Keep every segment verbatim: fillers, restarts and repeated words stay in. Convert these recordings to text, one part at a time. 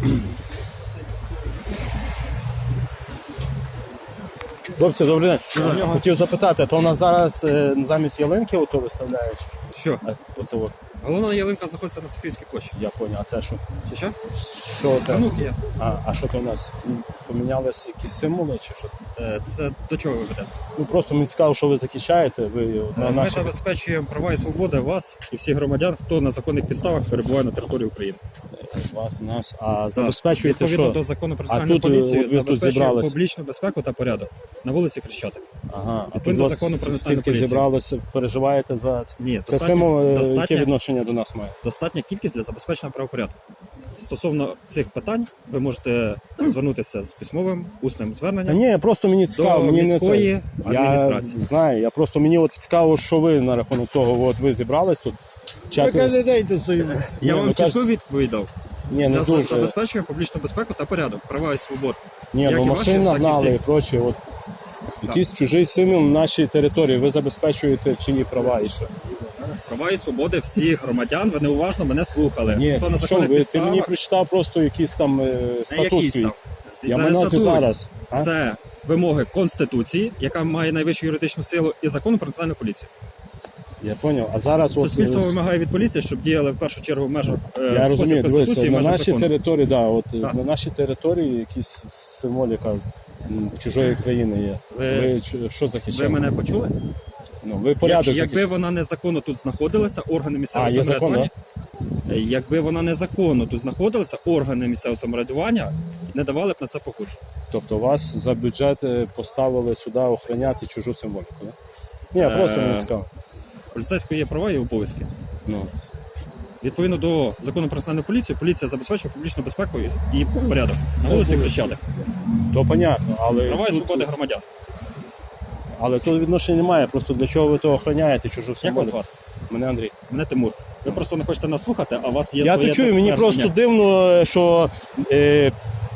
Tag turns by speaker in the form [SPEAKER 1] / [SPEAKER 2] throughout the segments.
[SPEAKER 1] Хлопці, добрий день. Я хотів запитати, то у нас зараз е, замість ялинки ото виставляють?
[SPEAKER 2] Що?
[SPEAKER 1] А, оце от.
[SPEAKER 2] Головна ялинка знаходиться на Софійській площі.
[SPEAKER 1] Я поняв, а це що?
[SPEAKER 2] Чи що?
[SPEAKER 1] Що це?
[SPEAKER 2] Танук є.
[SPEAKER 1] А, а що то у нас? Помінялись якісь символи чи що?
[SPEAKER 2] Е, Це до чого ви ведете?
[SPEAKER 1] Ну просто мені цікаво, що ви захищаєте. Ви на
[SPEAKER 2] Ми
[SPEAKER 1] наші...
[SPEAKER 2] забезпечуємо права і свободи вас і всіх громадян, хто на законних підставах перебуває на території України.
[SPEAKER 1] вас, нас, а забезпечуєте
[SPEAKER 2] Відповідно
[SPEAKER 1] що?
[SPEAKER 2] до закону про
[SPEAKER 1] А
[SPEAKER 2] національну
[SPEAKER 1] тут,
[SPEAKER 2] поліцію
[SPEAKER 1] от ви тут
[SPEAKER 2] забезпечуємо
[SPEAKER 1] зібрались.
[SPEAKER 2] публічну безпеку та порядок на вулиці Хрещатик.
[SPEAKER 1] Ага, а тут
[SPEAKER 2] Відповідно до
[SPEAKER 1] вас
[SPEAKER 2] закону про національну
[SPEAKER 1] стільки
[SPEAKER 2] поліцію.
[SPEAKER 1] зібралося, переживаєте за це?
[SPEAKER 2] Ні,
[SPEAKER 1] Це
[SPEAKER 2] достатньо-
[SPEAKER 1] символ, е, яке
[SPEAKER 2] достатньо-
[SPEAKER 1] відношення до нас має?
[SPEAKER 2] Достатня кількість для забезпечення правопорядку. Стосовно цих питань ви можете звернутися з письмовим усним
[SPEAKER 1] Та
[SPEAKER 2] зверненням.
[SPEAKER 1] ні, просто мені цікаво,
[SPEAKER 2] До
[SPEAKER 1] мені не
[SPEAKER 2] міської
[SPEAKER 1] це.
[SPEAKER 2] адміністрації.
[SPEAKER 1] Я знаю, я просто мені от цікаво, що ви на рахунок того, от ви зібрались тут.
[SPEAKER 3] Ми
[SPEAKER 1] Чати...
[SPEAKER 3] кожен день тут стоїмо.
[SPEAKER 2] Я
[SPEAKER 1] Ні,
[SPEAKER 2] вам
[SPEAKER 1] ну,
[SPEAKER 2] чітко
[SPEAKER 1] кажуть-
[SPEAKER 2] відповідь дав.
[SPEAKER 1] Ні, не
[SPEAKER 2] Я
[SPEAKER 1] дуже.
[SPEAKER 2] забезпечую публічну безпеку та порядок, права і свободи.
[SPEAKER 1] Ні,
[SPEAKER 2] як
[SPEAKER 1] ну
[SPEAKER 2] і
[SPEAKER 1] машин
[SPEAKER 2] ваші, так і
[SPEAKER 1] нагнали і
[SPEAKER 2] всіх.
[SPEAKER 1] прочі. От. Якийсь чужий символ на нашій території. Ви забезпечуєте чиї права і що?
[SPEAKER 2] Права і свободи всіх громадян, ви неуважно мене слухали.
[SPEAKER 1] Ні,
[SPEAKER 2] Хто на
[SPEAKER 1] що
[SPEAKER 2] законних
[SPEAKER 1] ви, ти
[SPEAKER 2] підставах,
[SPEAKER 1] мені прочитав просто якийсь там е,
[SPEAKER 2] не
[SPEAKER 1] статут
[SPEAKER 2] який
[SPEAKER 1] свій.
[SPEAKER 2] став.
[SPEAKER 1] Я
[SPEAKER 2] Це
[SPEAKER 1] мене це
[SPEAKER 2] статут.
[SPEAKER 1] зараз. А?
[SPEAKER 2] Це вимоги Конституції, яка має найвищу юридичну силу, і закону про національну поліцію.
[SPEAKER 1] Я зрозумів. А зараз от,
[SPEAKER 2] Суспільство
[SPEAKER 1] е,
[SPEAKER 2] вимагає від поліції, щоб діяли в першу чергу в межах е,
[SPEAKER 1] я
[SPEAKER 2] в спосіб
[SPEAKER 1] розумію, дивися,
[SPEAKER 2] Конституції,
[SPEAKER 1] на
[SPEAKER 2] межах
[SPEAKER 1] нашій
[SPEAKER 2] закону.
[SPEAKER 1] території, да, от е,
[SPEAKER 2] Так.
[SPEAKER 1] на нашій території якісь символіка м, чужої країни є.
[SPEAKER 2] Ви-
[SPEAKER 1] Ви, ч- що
[SPEAKER 2] Ви
[SPEAKER 1] захищаєте?
[SPEAKER 2] мене почули?
[SPEAKER 1] Ну, ви порядок
[SPEAKER 2] Як- якби
[SPEAKER 1] захищаєте.
[SPEAKER 2] вона незаконно тут знаходилася, органи місцевого
[SPEAKER 1] А, є закон,
[SPEAKER 2] самоврядування. Е, Якби вона незаконно тут знаходилася, органи місцевого самоврядування не давали б на це погодження.
[SPEAKER 1] Тобто вас за бюджет е, поставили сюди охороняти чужу символіку, да? Ні, просто
[SPEAKER 2] Е,
[SPEAKER 1] мені цікаво.
[SPEAKER 2] Поліцейського є права і обов'язки.
[SPEAKER 1] Ну.
[SPEAKER 2] Відповідно до закону про національну поліцію, поліція забезпечує публічну безпеку і- і порядок на вулиці Хрещатик.
[SPEAKER 1] То понятно, але
[SPEAKER 2] Права і
[SPEAKER 1] тут,
[SPEAKER 2] свободи громадян.
[SPEAKER 1] але тут відношення немає. Просто для чого ви то охороняєте чужу
[SPEAKER 2] Як вас
[SPEAKER 1] символіку?
[SPEAKER 2] звати?
[SPEAKER 1] Мене Андрій.
[SPEAKER 2] Мене Тимур. Ви просто не хочете нас слухати, а у вас є
[SPEAKER 1] Я
[SPEAKER 2] своє
[SPEAKER 1] то чую, мені
[SPEAKER 2] твердження.
[SPEAKER 1] просто дивно, що е,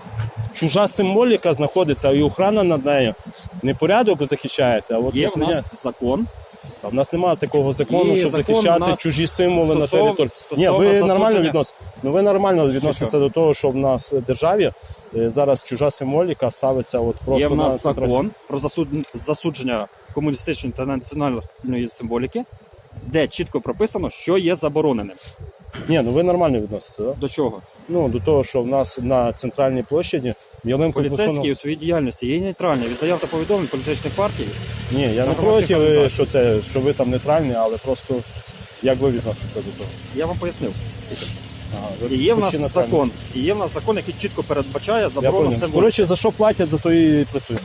[SPEAKER 1] чужа символіка знаходиться і охрана над нею. Не порядок ви захищаєте, а от
[SPEAKER 2] Є в
[SPEAKER 1] охороня-
[SPEAKER 2] нас закон.
[SPEAKER 1] А в нас немає такого закону,
[SPEAKER 2] І
[SPEAKER 1] щоб
[SPEAKER 2] закон
[SPEAKER 1] захищати
[SPEAKER 2] у нас
[SPEAKER 1] чужі символи на
[SPEAKER 2] стосов-
[SPEAKER 1] території. Ні,
[SPEAKER 2] стосовно
[SPEAKER 1] ви нормально
[SPEAKER 2] засудження-
[SPEAKER 1] відносите. Ну ви нормально
[SPEAKER 2] Що,
[SPEAKER 1] відноситеся
[SPEAKER 2] що?
[SPEAKER 1] до того, що в нас в державі е, зараз чужа символіка ставиться от просто
[SPEAKER 2] Є в нас
[SPEAKER 1] на центральній-
[SPEAKER 2] закон про засуд- засудження комуністичної та національної символіки, де чітко прописано, що є забороненим.
[SPEAKER 1] Ні, ну ви нормально відноситеся, да?
[SPEAKER 2] До чого?
[SPEAKER 1] Ну до того, що в нас на центральній площаді ялинку
[SPEAKER 2] Поліцейські у своїй діяльності є нейтральні від заяв та повідомлень політичних партій.
[SPEAKER 1] Ні, я не
[SPEAKER 2] громадських
[SPEAKER 1] проти, е,
[SPEAKER 2] організацій.
[SPEAKER 1] що це, що ви там нейтральні, але просто як ви відноситеся до того?
[SPEAKER 2] Я вам пояснив.
[SPEAKER 1] Ага, ви
[SPEAKER 2] І є в нас
[SPEAKER 1] почти нейтральні.
[SPEAKER 2] закон, і є в нас закон, який чітко передбачає
[SPEAKER 1] Я
[SPEAKER 2] заборону
[SPEAKER 1] понял.
[SPEAKER 2] символіки.
[SPEAKER 1] Коротше, за що платять, за то і працюють.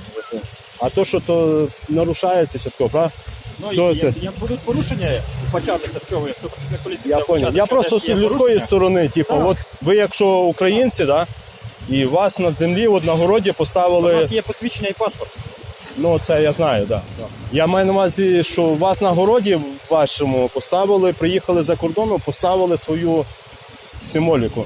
[SPEAKER 1] А то, що то нарушається частково, правда?
[SPEAKER 2] Ну,
[SPEAKER 1] Хто
[SPEAKER 2] і-
[SPEAKER 1] це?
[SPEAKER 2] як, як будуть порушення початися в чому, якщо працівник поліції
[SPEAKER 1] Я
[SPEAKER 2] буде
[SPEAKER 1] понял.
[SPEAKER 2] вбачати,
[SPEAKER 1] Я
[SPEAKER 2] що
[SPEAKER 1] просто
[SPEAKER 2] десь
[SPEAKER 1] з
[SPEAKER 2] є
[SPEAKER 1] людської
[SPEAKER 2] порушення,
[SPEAKER 1] сторони, типу,
[SPEAKER 2] Так.
[SPEAKER 1] от ви якщо українці, да, і вас на землі от на городі
[SPEAKER 2] у
[SPEAKER 1] поставили,
[SPEAKER 2] нас є посвідчення і паспорт.
[SPEAKER 1] ну це я знаю, да. Я маю на увазі, що вас на городі вашому поставили, приїхали за кордону, поставили свою символіку.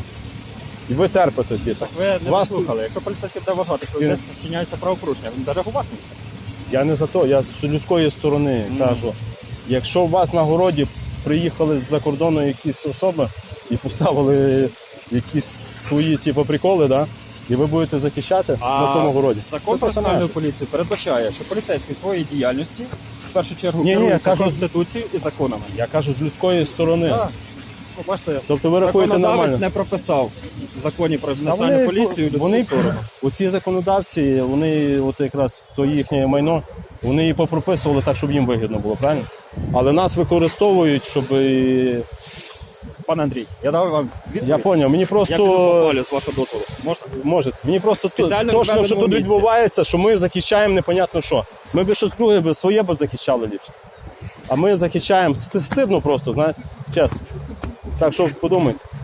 [SPEAKER 1] І ви терпите, типу.
[SPEAKER 2] Ви не
[SPEAKER 1] Вас-
[SPEAKER 2] послухали. Якщо поліцейський буде вважати, що
[SPEAKER 1] Він-
[SPEAKER 2] десь вчиняється правопорушення, він буде реагувати на це.
[SPEAKER 1] Я не за то, я з людської сторони кажу. Якщо у вас на городі приїхали з-за кордону якісь особи і поставили якісь свої типу, приколи, да? І ви будете захищати на своєму городі.
[SPEAKER 2] закон
[SPEAKER 1] Це
[SPEAKER 2] про національну
[SPEAKER 1] персонаж.
[SPEAKER 2] поліцію передбачає, що поліцейський в своїй діяльності в першу чергу
[SPEAKER 1] Ні, ні,
[SPEAKER 2] керується
[SPEAKER 1] я кажу-
[SPEAKER 2] Конституцією і законами.
[SPEAKER 1] Я кажу з людської сторони.
[SPEAKER 2] Так. Ну, бачите,
[SPEAKER 1] Тобто ви рахуєте
[SPEAKER 2] законодавець
[SPEAKER 1] нормально?
[SPEAKER 2] не прописав в законі про
[SPEAKER 1] А
[SPEAKER 2] національну поліцію людську
[SPEAKER 1] вони,
[SPEAKER 2] сторону.
[SPEAKER 1] оці законодавці, вони от якраз то їхнє майно, вони її попрописували так, щоб їм вигідно було, правильно? Але нас використовують, щоб і-
[SPEAKER 2] Пане Андрій, я дав вам відповідь.
[SPEAKER 1] я зрозумів, мені
[SPEAKER 2] Я піду
[SPEAKER 1] просто
[SPEAKER 2] попалю, з вашого дозволу. Можна?
[SPEAKER 1] може, мені просто
[SPEAKER 2] Спеціально
[SPEAKER 1] точно, що
[SPEAKER 2] відведеному
[SPEAKER 1] тут
[SPEAKER 2] місці.
[SPEAKER 1] відбувається, що ми захищаємо непонятно що. Ми б щось друге би своє би захищали ліпше. А ми захищаємо, С- стидно просто, знаєте, чесно. Так що подумайте.